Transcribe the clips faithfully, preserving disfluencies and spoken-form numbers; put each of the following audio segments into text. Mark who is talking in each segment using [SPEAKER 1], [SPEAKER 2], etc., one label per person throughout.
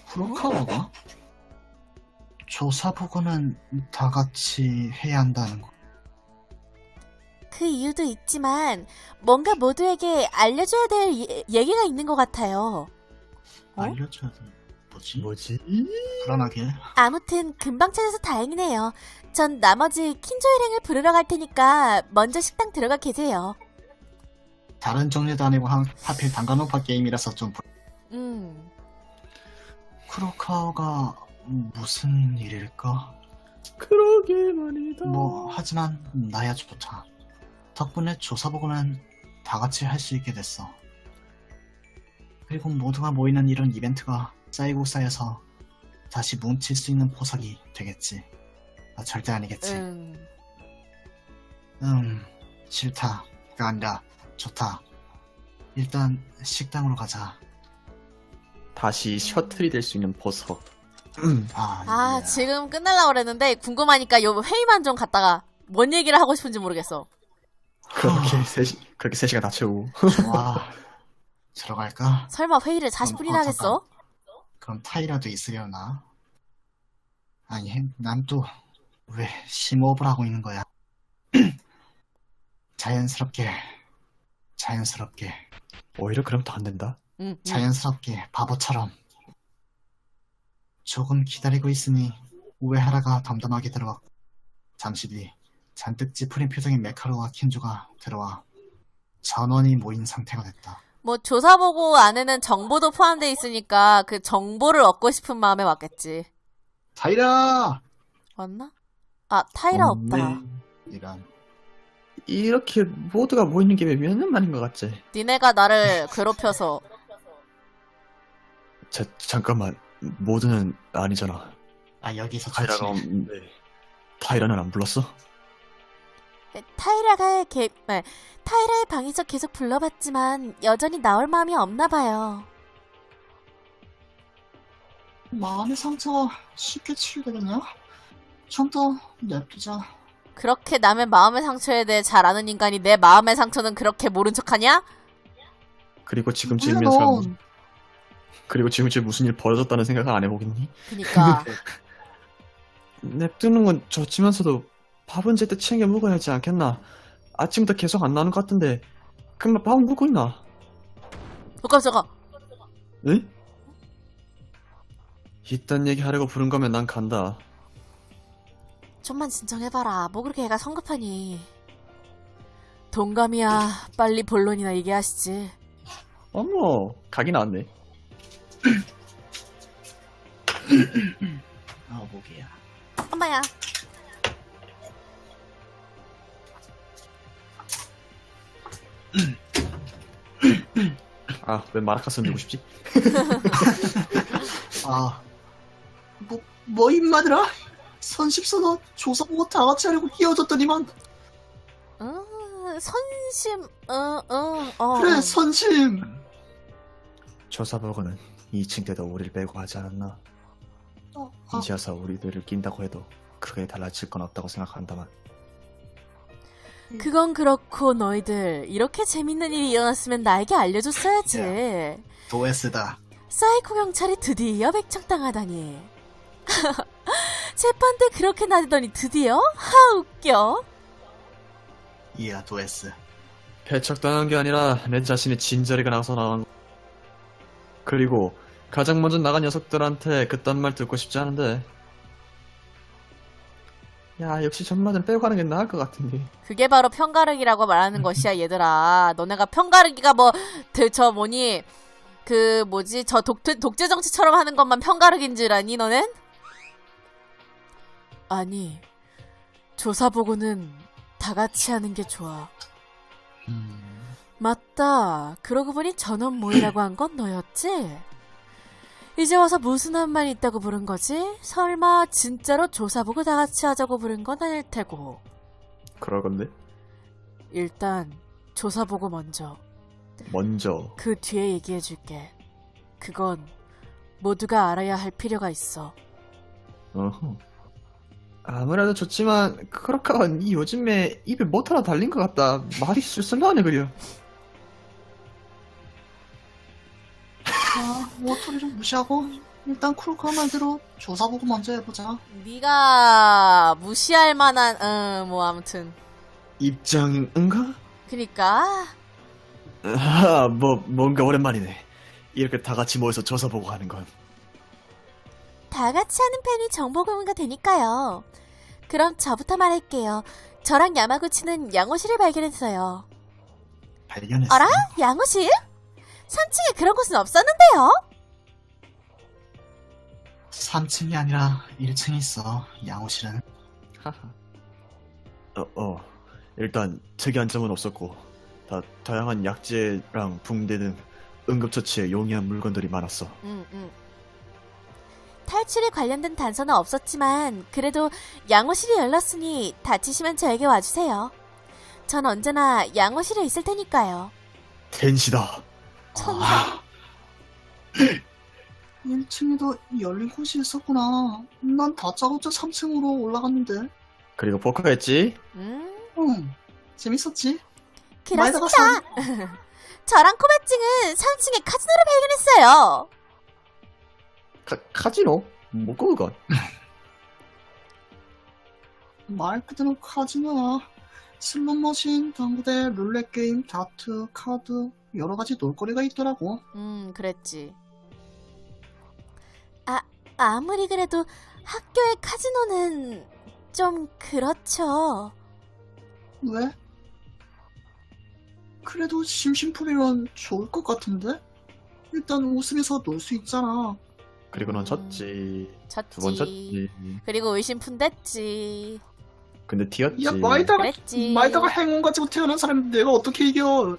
[SPEAKER 1] 크로카와가? 조사 보고는 다 같이 해야 한다는 거.
[SPEAKER 2] 그 이유도 있지만 뭔가 모두에게 알려줘야 될 예, 얘기가 있는 것 같아요. 어?
[SPEAKER 1] 알려줘야 돼. 뭐지?
[SPEAKER 3] 뭐지?
[SPEAKER 1] 불안하게.
[SPEAKER 2] 아무튼 금방 찾아서 다행이네요. 전 나머지 킨조 일행을 부르러 갈 테니까 먼저 식당 들어가 계세요.
[SPEAKER 1] 다른 종류도 아니고 한, 하필 단간호파 게임이라서 좀 불...
[SPEAKER 2] 음,
[SPEAKER 1] 크로카와가 무슨 일일까?
[SPEAKER 3] 그러게 말이다.
[SPEAKER 1] 뭐 하지만 나야 좋다. 덕분에 조사 보고는 다 같이 할 수 있게 됐어. 그리고 모두가 모이는 이런 이벤트가 쌓이고 쌓여서 다시 뭉칠 수 있는 포석이 되겠지. 아, 절대 아니겠지.
[SPEAKER 2] 음.
[SPEAKER 1] 음, 싫다가 아니라 좋다. 일단 식당으로 가자.
[SPEAKER 3] 다시 셔틀이 될 수 있는 보석.
[SPEAKER 1] 아,
[SPEAKER 2] 아,
[SPEAKER 1] 예.
[SPEAKER 2] 지금 끝날라고 그랬는데 궁금하니까 요 회의만 좀 갔다가 뭔 얘기를 하고 싶은지 모르겠어.
[SPEAKER 3] 그렇게 세 시, 그렇게 세 시간 다 채우고.
[SPEAKER 1] 좋아. 들어갈까?
[SPEAKER 2] 설마 회의를 사십 분이나
[SPEAKER 1] 어,
[SPEAKER 2] 하겠어?
[SPEAKER 1] 그럼 타이라도 있으려나? 아니, 난 또 왜 심호흡을 하고 있는 거야? 자연스럽게, 자연스럽게,
[SPEAKER 3] 오히려 그럼 더 안 된다.
[SPEAKER 2] 응, 응.
[SPEAKER 1] 자연스럽게 바보처럼. 조금 기다리고 있으니 우에하라가 덤덤하게 들어왔고, 잠시 뒤 잔뜩 찌푸린 표정의 메카로와 킨조가 들어와 전원이 모인 상태가 됐다.
[SPEAKER 2] 뭐 조사보고 안에는 정보도 포함되어 있으니까 그 정보를 얻고 싶은 마음에 왔겠지.
[SPEAKER 1] 타이라!
[SPEAKER 2] 왔나? 아, 타이라
[SPEAKER 3] 없네.
[SPEAKER 2] 없다.
[SPEAKER 1] 이런.
[SPEAKER 3] 이렇게 모두가 모이는 게 몇 년 만인 것 같지?
[SPEAKER 2] 니네가 나를 괴롭혀서.
[SPEAKER 3] 자, 잠깐만. 모두는 아니잖아.
[SPEAKER 1] 아, 여기서
[SPEAKER 3] 타이라가
[SPEAKER 1] 좋지.
[SPEAKER 3] 없는데. 타이라는 안 불렀어?
[SPEAKER 2] 타이라가 개, 네, 타이라의 방에서 계속 불러봤지만 여전히 나올 마음이 없나 봐요.
[SPEAKER 1] 마음의 상처가 쉽게 치유되겠냐? 좀 더 냅두자.
[SPEAKER 2] 그렇게 남의 마음의 상처에 대해 잘 아는 인간이 내 마음의 상처는 그렇게 모른 척하냐?
[SPEAKER 3] 그리고 지금쯤이면 사람, 그리고 지금쯤 무슨 일 벌어졌다는 생각을 안 해보겠니?
[SPEAKER 2] 그니까.
[SPEAKER 3] 냅두는 건 좋지만서도 밥은 제때 챙겨 먹어야지 않겠나? 아침부터 계속 안 나오는 것 같은데 그럼 밥은 먹고 있나?
[SPEAKER 2] 어, 깜짝아.
[SPEAKER 3] 응? 이딴 얘기 하려고 부른 거면 난 간다.
[SPEAKER 2] 좀만 진정해봐라. 뭐 그렇게 애가 성급하니. 동감이야. 빨리 본론이나 얘기하시지.
[SPEAKER 3] 어머, 각이 나왔네.
[SPEAKER 1] 아, 목이야.
[SPEAKER 2] 엄마야.
[SPEAKER 3] 아, 왜 마라카스 들고 싶지?
[SPEAKER 1] 아, 뭐, 뭐 임마들아? 선십서너 조사 보고 다 같이 하려고 끼어졌더니만.
[SPEAKER 2] 어, 선심, 어, 어, 어.
[SPEAKER 1] 그래, 선심.
[SPEAKER 3] 조사보고는 이 층 때도 우리를 빼고 하지 않았나?
[SPEAKER 1] 어, 아,
[SPEAKER 3] 이제 와서 우리들을 낀다고 해도 크게 달라질 건 없다고 생각한다만.
[SPEAKER 2] 그건 그렇고 너희들 이렇게 재밌는 일이 일어났으면 나에게 알려줬어야지.
[SPEAKER 1] 도에스다.
[SPEAKER 2] 사이코 경찰이 드디어 백청당하다니. 재판 때 그렇게 나대더니 드디어? 하 웃겨.
[SPEAKER 1] 이야, 도에스.
[SPEAKER 3] 배척당한 게 아니라 내 자신의 진저리가 나서 나온 거. 그리고 가장 먼저 나간 녀석들한테 그딴 말 듣고 싶지 않은데. 야, 역시 전마들 빼고 가는 게 나을 것 같은데.
[SPEAKER 2] 그게 바로 편가르기라고 말하는 것이야 얘들아. 너네가 편가르기가 뭐 저 뭐니 그 뭐지 저 독재, 독재 정치처럼 하는 것만 편가르기인 줄 아니 너넨? 아니 조사보고는 다 같이 하는 게 좋아.
[SPEAKER 1] 음,
[SPEAKER 2] 맞다. 그러고 보니 전원 모이라고 한 건 너였지? 이제 와서 무슨 한 말 있다고 부른 거지? 설마 진짜로 조사보고 다 같이 하자고 부른 건 아닐 테고.
[SPEAKER 3] 그럴 건데.
[SPEAKER 2] 일단 조사보고 먼저.
[SPEAKER 3] 먼저.
[SPEAKER 2] 그 뒤에 얘기해줄게. 그건 모두가 알아야 할 필요가 있어.
[SPEAKER 3] 어허. 아무래도 좋지만 크로카가 니 요즘에 입에 못 하나 달린 것 같다. 말이 쓸쓸하네 그려.
[SPEAKER 1] 아, 모토리 좀 무시하고 일단 쿨카 말대로 조사보고 먼저 해보자.
[SPEAKER 2] 네가 무시할 만한 음, 뭐 아무튼
[SPEAKER 3] 입장인가?
[SPEAKER 2] 그니까
[SPEAKER 3] 아, 뭐 뭔가 오랜만이네. 이렇게 다 같이 모여서 조사 보고 하는 건.
[SPEAKER 2] 다 같이 하는 편이 정보 공유가 되니까요. 그럼 저부터 말할게요. 저랑 야마구치는 양호실을 발견했어요.
[SPEAKER 1] 발견했어.
[SPEAKER 2] 어라? 양호실? 삼 층에 그런 곳은 없었는데요?
[SPEAKER 1] 삼 층이 아니라 일 층에 있어, 양호실은.
[SPEAKER 3] 하하. 어, 어. 일단 특이한 점은 없었고 다 다양한 약재랑 붕대 등 응급처치에 용이한 물건들이 많았어.
[SPEAKER 2] 응, 응. 탈출에 관련된 단서는 없었지만 그래도 양호실이 열렸으니 다치시면 저에게 와주세요. 전 언제나 양호실에 있을 테니까요.
[SPEAKER 3] 텐시다.
[SPEAKER 2] 천사.
[SPEAKER 1] 아, 일 층에도 열린 곳이 있었구나. 난 다짜고짜 삼 층으로 올라갔는데.
[SPEAKER 3] 그리고 포커했지?
[SPEAKER 2] 음,
[SPEAKER 1] 응, 재밌었지? 많이
[SPEAKER 2] 그렇습니다.
[SPEAKER 1] 나갔어.
[SPEAKER 2] 저랑 코바찡은 삼 층에 카지노를 발견했어요.
[SPEAKER 3] 카, 카지노? 뭐고 그건?
[SPEAKER 1] 말 그대로 카지노야. 슬롯머신, 당구대, 룰렛 게임, 다트, 카드 여러 가지 놀거리가 있더라고.
[SPEAKER 2] 음, 그랬지. 아, 아무리 그래도 학교의 카지노는 좀 그렇죠.
[SPEAKER 1] 왜? 그래도 심심풀이면 좋을 것 같은데? 일단 웃으면서 놀 수 있잖아.
[SPEAKER 3] 그리고 넌
[SPEAKER 2] 음.
[SPEAKER 3] 졌지.
[SPEAKER 2] 졌지.
[SPEAKER 3] 두 번 졌지.
[SPEAKER 2] 그리고 의심푼댔지.
[SPEAKER 3] 근데 튀었지.
[SPEAKER 1] 야, 마이다가,
[SPEAKER 2] 그랬지.
[SPEAKER 1] 마이다가 행운 가지고 태어난 사람 내가 어떻게 이겨?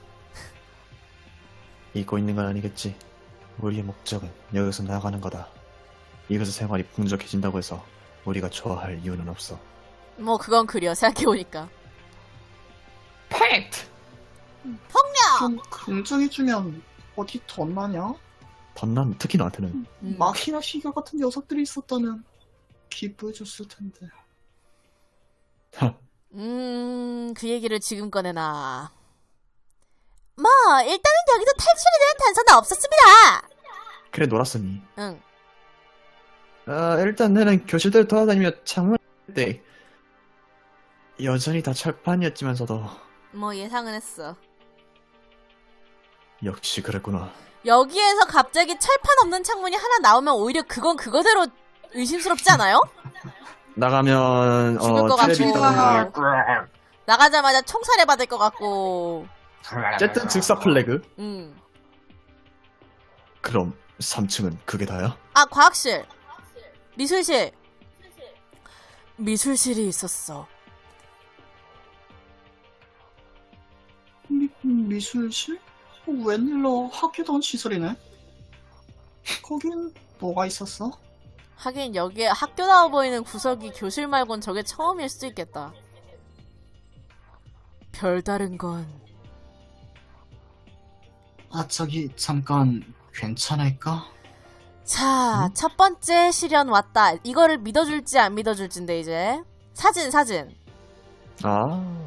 [SPEAKER 3] 잊고 있는 건 아니겠지. 우리의 목적은 여기서 나가는 거다. 이것의 생활이 풍족해진다고 해서 우리가 좋아할 이유는 없어.
[SPEAKER 2] 뭐 그건 그려 생각해보니까.
[SPEAKER 3] 팩트!
[SPEAKER 1] 좀 긍정해주면 어디 덧나냐?
[SPEAKER 3] 덧난 특히 너한테는.
[SPEAKER 2] 음.
[SPEAKER 1] 마키나 시가 같은 녀석들이 있었다면 기뻐해줬을 텐데.
[SPEAKER 2] 음, 그 얘기를 지금 꺼내나. 뭐, 일단은 여기도 탈출에 대한 단서는 없었습니다.
[SPEAKER 3] 그래 놀았으니.
[SPEAKER 2] 응.
[SPEAKER 3] 아, 일단 나는 교실들 돌아다니며 창문 때 여전히 다 철판이었지만서도
[SPEAKER 2] 뭐 예상은 했어.
[SPEAKER 3] 역시 그랬구나.
[SPEAKER 2] 여기에서 갑자기 철판 없는 창문이 하나 나오면 오히려 그건 그거대로 의심스럽지 않아요?
[SPEAKER 3] 나가면
[SPEAKER 2] 죽을
[SPEAKER 3] 어
[SPEAKER 2] 것
[SPEAKER 3] 테레비
[SPEAKER 2] 같고.
[SPEAKER 3] 있다는
[SPEAKER 2] 나가자마자 총살해 받을 것 같고.
[SPEAKER 3] 어쨌든 즉사 플래그.
[SPEAKER 2] 음.
[SPEAKER 3] 그럼 삼 층은 그게 다야?
[SPEAKER 2] 아, 과학실. 미술실. 미술실이 있었어.
[SPEAKER 1] 미, 미술실? 웬일로 학교다운 시설이네? 거긴 뭐가 있었어?
[SPEAKER 2] 하긴 여기에 학교다워 보이는 구석이 교실 말곤 저게 처음일 수도 있겠다. 별다른 건
[SPEAKER 1] 아, 저기 잠깐 괜찮을까?
[SPEAKER 2] 자,
[SPEAKER 1] 응?
[SPEAKER 2] 첫 번째 시련 왔다. 이거를 믿어줄지 안 믿어줄지인데 이제 사진 사진.
[SPEAKER 3] 아,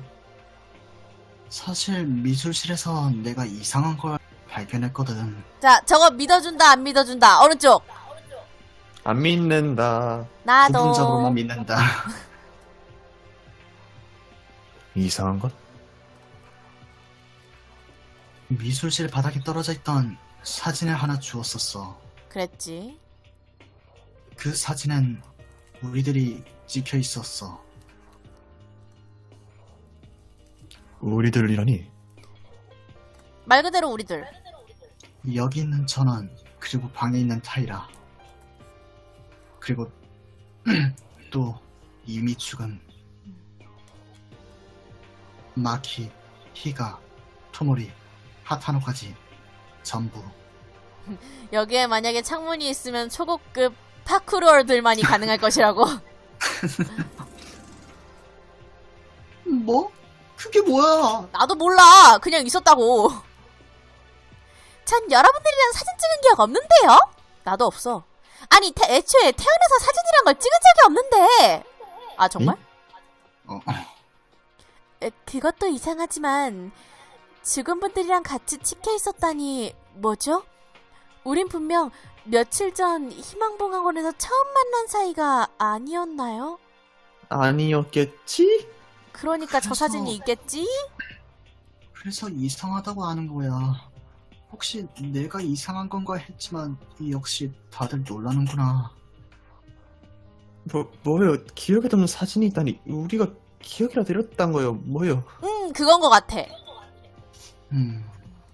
[SPEAKER 1] 사실 미술실에서 내가 이상한 걸 발견했거든.
[SPEAKER 2] 자, 저거 믿어준다 안 믿어준다. 어느 쪽?
[SPEAKER 3] 안 믿는다.
[SPEAKER 2] 나도.
[SPEAKER 1] 부분적으로만 믿는다.
[SPEAKER 3] 이상한 것?
[SPEAKER 1] 미술실 바닥에 떨어져 있던 사진을 하나 주웠었어.
[SPEAKER 2] 그랬지.
[SPEAKER 1] 그 사진엔 우리들이 찍혀 있었어.
[SPEAKER 3] 우리들이라니?
[SPEAKER 2] 말 그대로 우리들.
[SPEAKER 1] 여기 있는 전원, 그리고 방에 있는 타이라. 그리고 또 이미축은 마키, 히가, 토모리, 하타노까지 전부.
[SPEAKER 2] 여기에 만약에 창문이 있으면 초고급 파쿠르얼들만이 가능할 것이라고.
[SPEAKER 1] 뭐? 그게 뭐야?
[SPEAKER 2] 나도 몰라. 그냥 있었다고. 전 여러분들이랑 사진 찍은 기억 없는데요? 나도 없어. 아니, 태, 애초에 태어나서 사진이란 걸 찍은 적이 없는데. 아, 정말?
[SPEAKER 1] 어,
[SPEAKER 2] 에, 그것도 이상하지만 죽은 분들이랑 같이 찍혀 있었다니 뭐죠? 우린 분명 며칠 전 희망봉학원에서 처음 만난 사이가 아니었나요?
[SPEAKER 3] 아니었겠지?
[SPEAKER 2] 그러니까 저
[SPEAKER 1] 그래서-
[SPEAKER 2] 사진이 있겠지?
[SPEAKER 1] 그래서 이상하다고 하는 거야. 혹시 내가 이상한 건가 했지만 역시 다들 놀라는구나.
[SPEAKER 3] 뭐, 뭐요? 기억에 남는 사진이 있다니 우리가 기억이라 내렸단 거요. 뭐요?
[SPEAKER 2] 음, 그건 것 같아.
[SPEAKER 1] 음.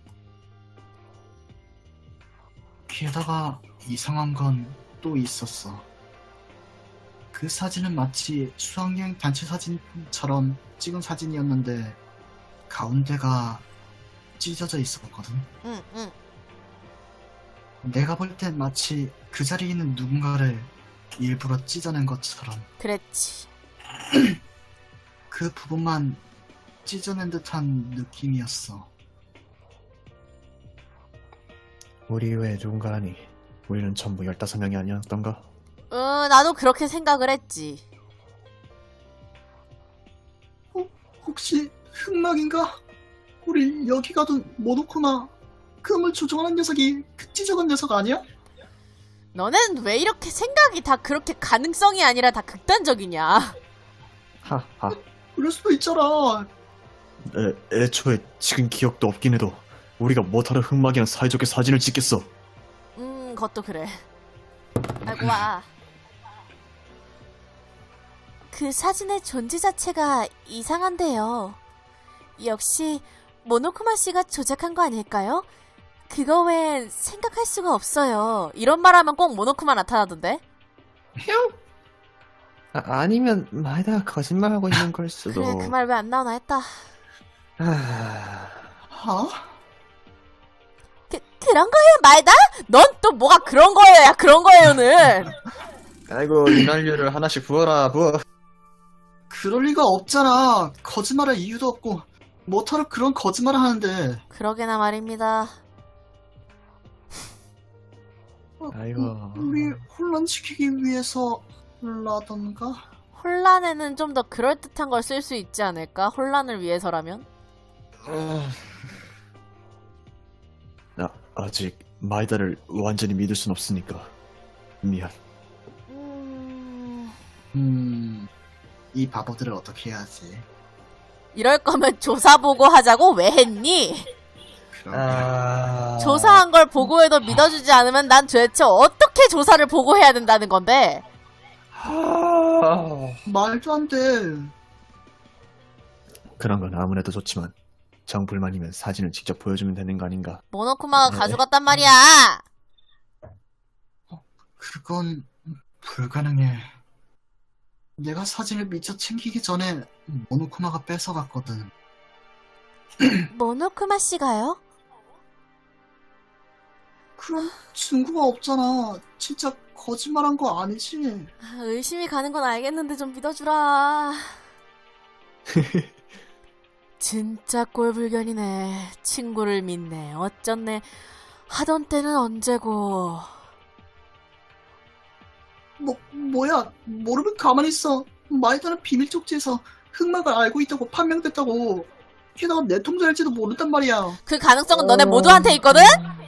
[SPEAKER 1] 게다가 이상한 건 또 있었어. 그 사진은 마치 수학여행 단체 사진처럼 찍은 사진이었는데 가운데가 찢어져 있었거든.
[SPEAKER 2] 응, 응.
[SPEAKER 1] 내가 볼 땐 마치 그 자리에 있는 누군가를 일부러 찢어낸 것처럼
[SPEAKER 2] 그랬지.
[SPEAKER 1] 그 부분만 찢어낸 듯한 느낌이었어.
[SPEAKER 3] 우리 외에 누군가라니. 우리는 전부 열다섯 명이 아니었던가?
[SPEAKER 2] 응, 나도 그렇게 생각을 했지.
[SPEAKER 1] 혹시 흑막인가? 우리 여기 가던 모노코마 금을 조종하는 녀석이 그 찢어간 녀석 아니야?
[SPEAKER 2] 너는 왜 이렇게 생각이 다 그렇게 가능성이 아니라 다 극단적이냐?
[SPEAKER 3] 하하.
[SPEAKER 1] 그럴 수도 있잖아.
[SPEAKER 3] 애, 애초에 지금 기억도 없긴 해도 우리가 뭐하러 흑막이랑 사이좋게 사진을 찍겠어.
[SPEAKER 2] 음, 그것도 그래. 아이고, 와. 그 사진의 존재 자체가 이상한데요. 역시 모노쿠마 씨가 조작한 거 아닐까요? 그거 외엔 생각할 수가 없어요. 이런 말하면 꼭 모노쿠마 나타나던데?
[SPEAKER 3] 아, 아니면 마에다가 거짓말하고 있는 걸 수도.
[SPEAKER 2] 그래, 그 말 왜 안 나오나 했다.
[SPEAKER 3] 하...
[SPEAKER 1] 하?
[SPEAKER 2] 그, 그런 거예요, 말다? 넌 또 뭐가 그런 거예요, 야, 그런 거예요는.
[SPEAKER 3] 아이고 윤활유를 하나씩 부어라 부어.
[SPEAKER 1] 그럴 리가 없잖아. 거짓말할 이유도 없고 뭐하러 그런 거짓말을 하는데.
[SPEAKER 2] 그러게나 말입니다.
[SPEAKER 1] 어,
[SPEAKER 3] 아이고.
[SPEAKER 1] 우리 혼란시키기 위해서 라던가?
[SPEAKER 2] 혼란에는 좀 더 그럴듯한 걸 쓸 수 있지 않을까? 혼란을 위해서라면?
[SPEAKER 3] 나 아직 마이다를 완전히 믿을 순 없으니까 미안.
[SPEAKER 2] 음...
[SPEAKER 1] 음... 이 바보들을 어떻게 해야지?
[SPEAKER 2] 이럴 거면 조사 보고 하자고 왜 했니?
[SPEAKER 1] 그럼
[SPEAKER 3] 아...
[SPEAKER 2] 조사한 걸 보고해도 믿어주지 않으면 난 도대체 어떻게 조사를 보고해야 된다는 건데?
[SPEAKER 3] 아...
[SPEAKER 1] 말도 안 돼.
[SPEAKER 3] 그런 건 아무래도 좋지만 정불만이면 사진을 직접 보여주면 되는 거 아닌가?
[SPEAKER 2] 모노쿠마가
[SPEAKER 3] 네.
[SPEAKER 2] 가져갔단 말이야.
[SPEAKER 1] 그건 불가능해. 내가 사진을 미처 챙기기 전에 모노쿠마가 뺏어갔거든.
[SPEAKER 2] 모노쿠마 씨가요?
[SPEAKER 1] 그럼 증거가 없잖아. 진짜 거짓말한 거 아니지?
[SPEAKER 2] 아, 의심이 가는 건 알겠는데 좀 믿어주라. 진짜 꼴불견이네. 친구를 믿네. 어쩐네. 하던 때는 언제고.
[SPEAKER 1] 뭐, 뭐야. 모르면 가만히 있어. 마이다는 비밀 쪽지에서 흑막을 알고 있다고 판명됐다고. 게다가 내 통장일지도 모른단 말이야.
[SPEAKER 2] 그 가능성은 너네 모두한테 있거든?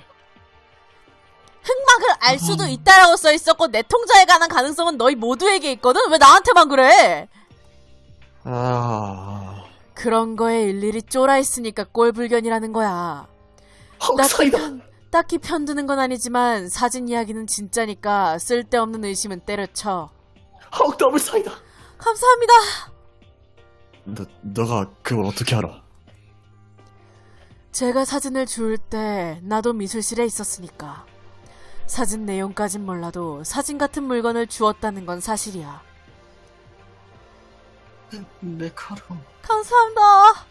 [SPEAKER 2] 흑막을 알 수도 있다라고 써있었고 내 통장에 관한 가능성은 너희 모두에게 있거든? 왜 나한테만 그래?
[SPEAKER 3] 아...
[SPEAKER 2] 그런 거에 일일이 쫄아있으니까 꼴불견이라는 거야. 딱히,
[SPEAKER 1] 헉사이다.
[SPEAKER 2] 편, 딱히 편드는 건 아니지만 사진 이야기는 진짜니까 쓸데없는 의심은 때려쳐.
[SPEAKER 1] 헉 더블 사이다.
[SPEAKER 2] 감사합니다.
[SPEAKER 3] 너, 너가 그걸 어떻게 알아?
[SPEAKER 2] 제가 사진을 주울 때 나도 미술실에 있었으니까. 사진 내용까진 몰라도 사진 같은 물건을 주었다는 건 사실이야.
[SPEAKER 1] 메카로.
[SPEAKER 2] 감사합니다.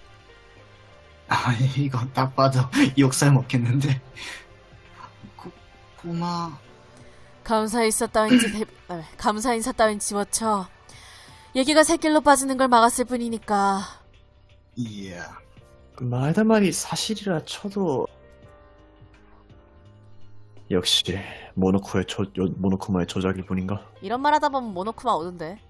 [SPEAKER 1] 아, 이건 딱 봐도 욕살 먹겠는데. 고, 고마.
[SPEAKER 2] 감사 인사 따윈 지 대... 아, 감사 인사 따윈 집어쳐. 얘기가 새길로 빠지는 걸 막았을 뿐이니까.
[SPEAKER 1] 이야.
[SPEAKER 3] 마에다 말이 사실이라 쳐도 역시 모노코의 조, 요- 모노코마의 조작일 뿐인가?
[SPEAKER 2] 이런 말 하다 보면 모노쿠마 오던데.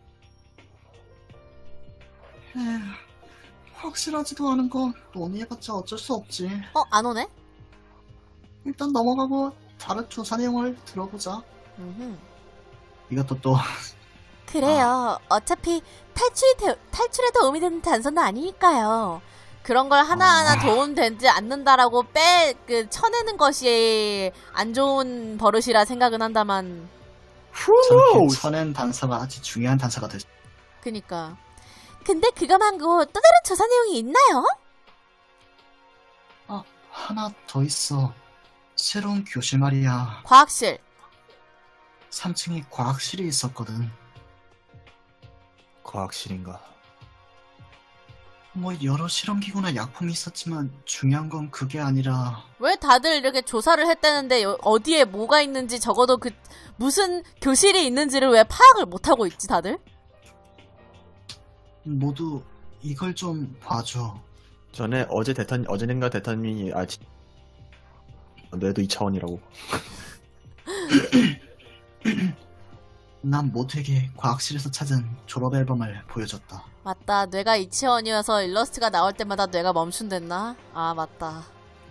[SPEAKER 1] 에휴, 확실하지도 않은 건 논의해봤자 어쩔 수 없지.
[SPEAKER 2] 어, 안 오네?
[SPEAKER 1] 일단 넘어가고 다른 조사 내용을 들어보자.
[SPEAKER 2] 음흠.
[SPEAKER 1] 이것도 또
[SPEAKER 2] 그래요. 어차피 탈출이 되, 탈출에 도움이 되는 단서는 아니니까요. 그런 걸 하나하나
[SPEAKER 1] 아.
[SPEAKER 2] 도움되지 않는다라고 빼, 그, 쳐내는 것이 안 좋은 버릇이라 생각은 한다만.
[SPEAKER 1] 저렇게
[SPEAKER 3] 후!
[SPEAKER 1] 쳐낸 단서가 아주 중요한 단서가 될 수.
[SPEAKER 2] 그니까. 근데 그거 말고 또 다른 조사 내용이 있나요?
[SPEAKER 1] 아, 하나 더 있어. 새로운 교실 말이야.
[SPEAKER 2] 과학실.
[SPEAKER 1] 삼 층에 과학실이 있었거든.
[SPEAKER 3] 과학실인가?
[SPEAKER 1] 뭐 여러 실험기구나 약품이 있었지만 중요한 건 그게 아니라
[SPEAKER 2] 왜 다들 이렇게 조사를 했다는데 여- 어디에 뭐가 있는지 적어도 그 무슨 교실이 있는지를 왜 파악을 못하고 있지 다들?
[SPEAKER 1] 모두 이걸 좀 봐줘.
[SPEAKER 3] 전에 어제 대탄 어제는가 대탄민이 아 지- 뇌도 이 차원이라고.
[SPEAKER 1] 난 모두에게 과학실에서 찾은 졸업 앨범을 보여줬다.
[SPEAKER 2] 맞다. 뇌가 이치원이어서 일러스트가 나올 때마다 뇌가 멈춘댔나? 아 맞다.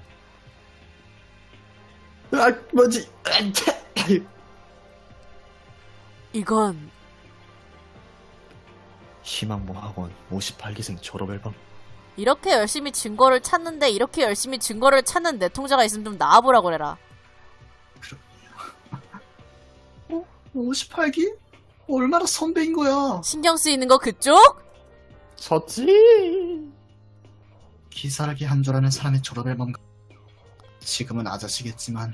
[SPEAKER 3] 아 뭐지?
[SPEAKER 2] 이건
[SPEAKER 3] 희망봉 학원 오십팔 기생 졸업 앨범.
[SPEAKER 2] 이렇게 열심히 증거를 찾는데 이렇게 열심히 증거를 찾는 내통자가 있으면 좀 나와보라 그래라.
[SPEAKER 1] 어? 오십팔 기? 얼마나 선배인 거야.
[SPEAKER 2] 신경 쓰이는 거 그쪽?
[SPEAKER 3] 섰지.
[SPEAKER 1] 기사라기 한 줄 아는 사람의 졸업 앨범. 지금은 아저씨겠지만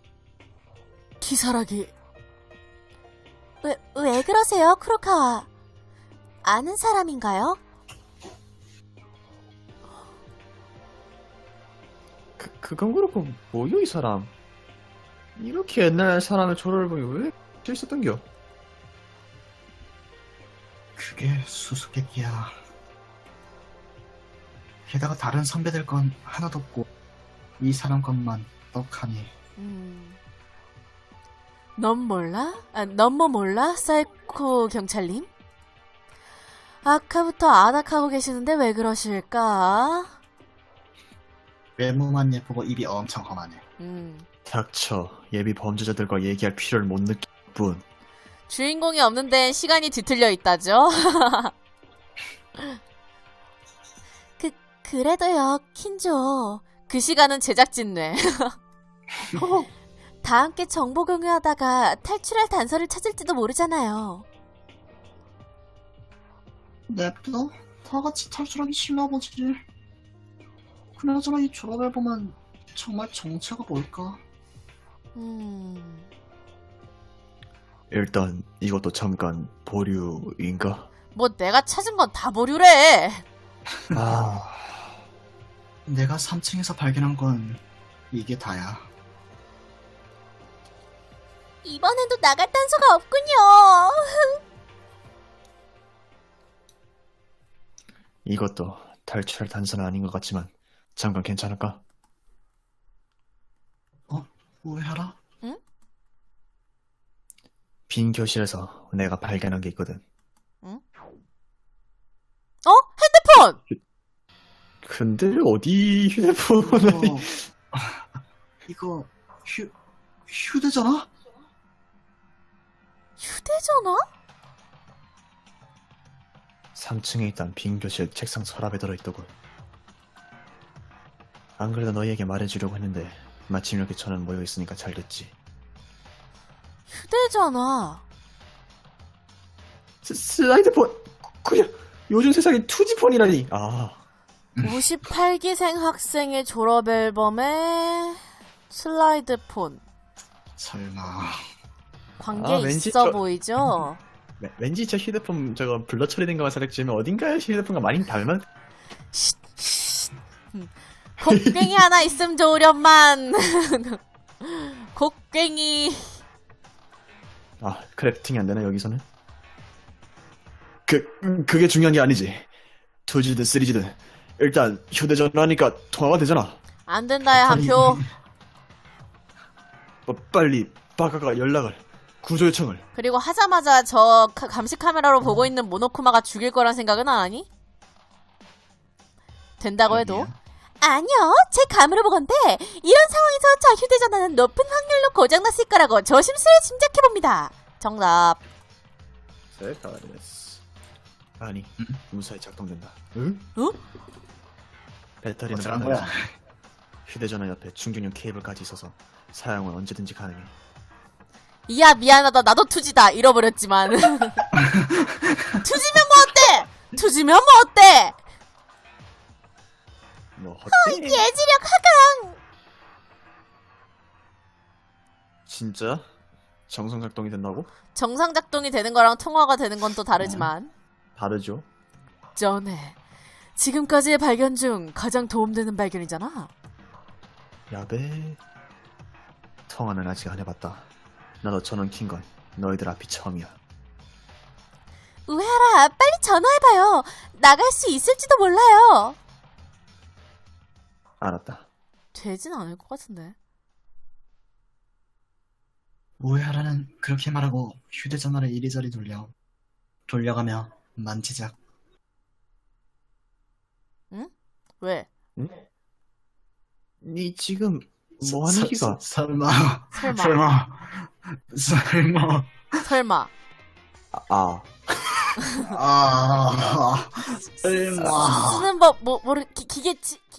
[SPEAKER 2] 기사라기. 왜, 왜 그러세요, 크로카와? 아는 사람인가요?
[SPEAKER 3] 그 그건 그렇고 뭐요 이 사람? 이렇게 옛날 사람의 졸업 앨범이 왜 있었던겨?
[SPEAKER 1] 그게 수수께끼야. 게다가 다른 선배들 건 하나도 없고 이 사람 것만 떡하니.
[SPEAKER 2] 음. 넌 몰라? 아, 넌 뭐 몰라? 사이코 경찰님? 아까부터 아닥하고 계시는데 왜 그러실까?
[SPEAKER 1] 외모만 예쁘고 입이 엄청 험하네.
[SPEAKER 2] 음.
[SPEAKER 3] 닥쳐. 예비 범죄자들과 얘기할 필요를 못 느낄 뿐.
[SPEAKER 2] 주인공이 없는 데엔 시간이 뒤틀려 있다죠? 그, 그래도요, 킨조. 그 시간은 제작진 뇌. 다 함께 정보 공유하다가 탈출할 단서를 찾을지도 모르잖아요.
[SPEAKER 1] 냅둬? 다 같이 탈출하기 싫나 보지. 그나저나 이 졸업 앨범은 정말 정체가 뭘까?
[SPEAKER 2] 음...
[SPEAKER 3] 일단 이것도 잠깐 보류인가?
[SPEAKER 2] 뭐 내가 찾은 건 다 보류래.
[SPEAKER 3] 아,
[SPEAKER 1] 내가 삼 층에서 발견한 건 이게 다야.
[SPEAKER 2] 이번에도 나갈 단서가 없군요.
[SPEAKER 3] 이것도 탈출할 단서는 아닌 것 같지만 잠깐 괜찮을까?
[SPEAKER 1] 오해하라?
[SPEAKER 3] 빈 교실에서 내가 발견한 게 있거든.
[SPEAKER 2] 어? 핸드폰!
[SPEAKER 3] 근데 어디 휴대폰을
[SPEAKER 1] 이거 이거 휴 휴대전화?
[SPEAKER 2] 휴대전화?
[SPEAKER 3] 삼 층에 있던 빈 교실 책상 서랍에 들어있더군. 안 그래도 너희에게 말해주려고 했는데 마침 이렇게 저는 모여있으니까 잘 됐지.
[SPEAKER 2] 휴대전화.
[SPEAKER 3] 스, 슬라이드폰! 그냥 요즘 세상에 투지폰이라니. 아,
[SPEAKER 2] 오십팔 기생 학생의 졸업 앨범에 슬라이드폰.
[SPEAKER 1] 설마
[SPEAKER 2] 관계
[SPEAKER 3] 아, 왠지
[SPEAKER 2] 있어
[SPEAKER 3] 저-
[SPEAKER 2] 보이죠?
[SPEAKER 3] 네, 왠지 저 휴대폰 저거 블러 처리된 거만 살짝 어딘가에 휴대폰과 많이 닮은.
[SPEAKER 2] 곡괭이 하나 있음 좋으련만. 곡괭이.
[SPEAKER 3] 아, 크래프팅이 안 되나 여기서는? 그 음, 그게 중요한 게 아니지. 투지든 쓰리지든 일단 휴대전화니까 통화가 되잖아.
[SPEAKER 2] 안 된다야 한 표.
[SPEAKER 3] 뭐, 빨리 바카가 연락을 구조 요청을.
[SPEAKER 2] 그리고 하자마자 저 카- 감시 카메라로 보고 있는 모노쿠마가 죽일 거란 생각은 안 하니? 된다고 해도.
[SPEAKER 1] 그러게요.
[SPEAKER 2] 아니요, 제 감으로 보건대 이런 상황에서 저 휴대전화는 높은 확률로 고장났을 거라고 조심스레 짐작해봅니다. 정답.
[SPEAKER 3] 세카데스. 아니,
[SPEAKER 1] 응?
[SPEAKER 3] 무사히 작동된다. 응?
[SPEAKER 2] 어?
[SPEAKER 3] 배터리는
[SPEAKER 1] 어쩌란
[SPEAKER 3] 하나지.
[SPEAKER 1] 거야?
[SPEAKER 3] 휴대전화 옆에 충전용 케이블까지 있어서 사용은 언제든지 가능해.
[SPEAKER 2] 이야, 미안하다. 나도 투지다. 잃어버렸지만. 투지면 뭐 어때? 투지면 뭐 어때?
[SPEAKER 3] 뭐 어때?
[SPEAKER 2] 예지력 하강.
[SPEAKER 3] 진짜? 정상 작동이 된다고?
[SPEAKER 2] 정상 작동이 되는 거랑 통화가 되는 건 또 다르지만.
[SPEAKER 3] 다르죠.
[SPEAKER 2] 전에 지금까지의 발견 중 가장 도움되는 발견이잖아.
[SPEAKER 3] 야배. 통화는 아직 안 해봤다. 나도 전원 킨 건 너희들 앞이 처음이야.
[SPEAKER 2] 우에하라, 빨리 전화해봐요. 나갈 수 있을지도 몰라요.
[SPEAKER 3] 알았다.
[SPEAKER 2] 되진 않을 것 같은데.
[SPEAKER 1] 우에하라는 그렇게 말하고 휴대전화를 이리저리 돌려 돌려가며 만지작.
[SPEAKER 2] 왜?
[SPEAKER 3] 응? 니 지금 뭐 하는
[SPEAKER 1] 서-
[SPEAKER 3] 기가?
[SPEAKER 1] 서- 설마
[SPEAKER 2] 설마.
[SPEAKER 1] 설마 설마
[SPEAKER 2] 설마.
[SPEAKER 3] 아,
[SPEAKER 1] 아 설마
[SPEAKER 2] 쓰는 법, 뭐, 모르, 기, 기계, 지,